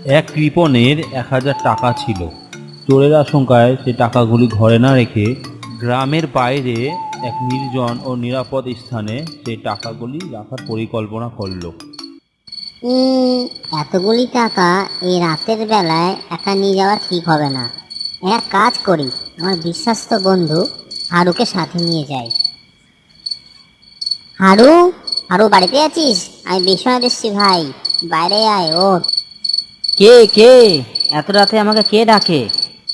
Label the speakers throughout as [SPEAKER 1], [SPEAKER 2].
[SPEAKER 1] এক কৃপণের 1000 টাকা ছিল। চোরের আশঙ্কায় সে টাকাগুলি ঘরে না রেখে গ্রামের বাইরে এক নির্জন ও নিরাপদ স্থানে সেই টাকাগুলি রাখার পরিকল্পনা করল।
[SPEAKER 2] উম, এতগুলি টাকা এই রাতের বেলায় একা নিয়ে যাওয়া ঠিক হবে না। এক কাজ করি, আমার বিশ্বস্ত বন্ধু হারুকে সাথে নিয়ে যাই। হারু, হারু বাড়িতে আছিস? আমি বিশ্বনাথ এসছি ভাই, বাইরে আয়। ও
[SPEAKER 3] কে কে এত রাতে আমাকে কে ডাকে?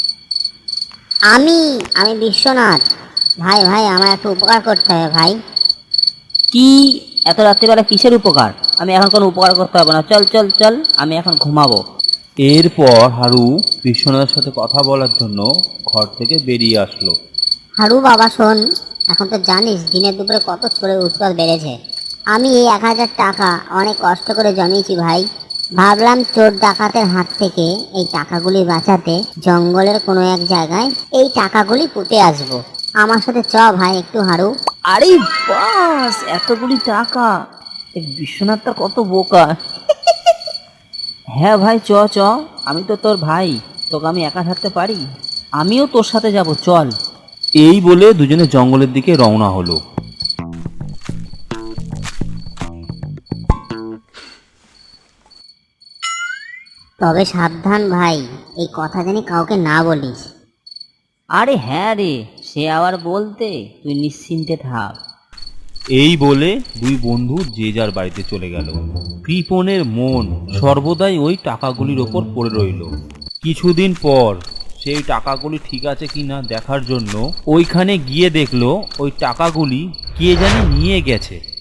[SPEAKER 2] আমি আমি বিশ্বনাথ। ভাই ভাই, আমার একটু উপকার করতে হবে ভাই।
[SPEAKER 3] কি? এত রাত্রিবেলা কিসের উপকার? আমি এখন কোনো উপকার করতে হবে না, চল চল চল, আমি এখন ঘুমাবো।
[SPEAKER 1] এরপর হারু বিশ্বনাথের সাথে কথা বলার জন্য ঘর থেকে বেরিয়ে আসলো।
[SPEAKER 2] হারু বাবা শোন, এখন তো জানিস দিনের দুপুরে কত চোরের উৎপাত বেড়েছে। আমি এই 1000 টাকা অনেক কষ্ট করে জমিয়েছি ভাই। ভাবলাম চোর ডাকাতের হাত থেকে এই টাকাগুলি বাঁচাতে জঙ্গলের কোনো এক জায়গায় এই টাকাগুলি পুঁতে আসবো। আমার সাথে চ ভাই একটু হারু।
[SPEAKER 3] আরে বাস, এতগুলি টাকা! এই বিশ্বনাথটা কত বোকা! হ্যাঁ ভাই, চ চ, আমি তো তোর ভাই, তোকে আমি একা থাকতে পারি? আমিও তোর সাথে যাব, চল।
[SPEAKER 1] এই বলে দুজনে জঙ্গলের দিকে রওনা হলো।
[SPEAKER 2] তবে সাবধান ভাই, এই কথা জানি কাউকে না বলিস।
[SPEAKER 3] আরে হ্যাঁ রে, সে আবার বলতে, তুই নিশ্চিন্তে থাক।
[SPEAKER 1] এই বলে দুই বন্ধু যে যার বাড়িতে চলে গেল। কৃপণের মন সর্বদাই ওই টাকাগুলির ওপর পড়ে রইল। কিছুদিন পর সেই টাকাগুলি ঠিক আছে কিনা দেখার জন্য ওইখানে গিয়ে দেখলো ওই টাকাগুলি কে জানি নিয়ে গেছে।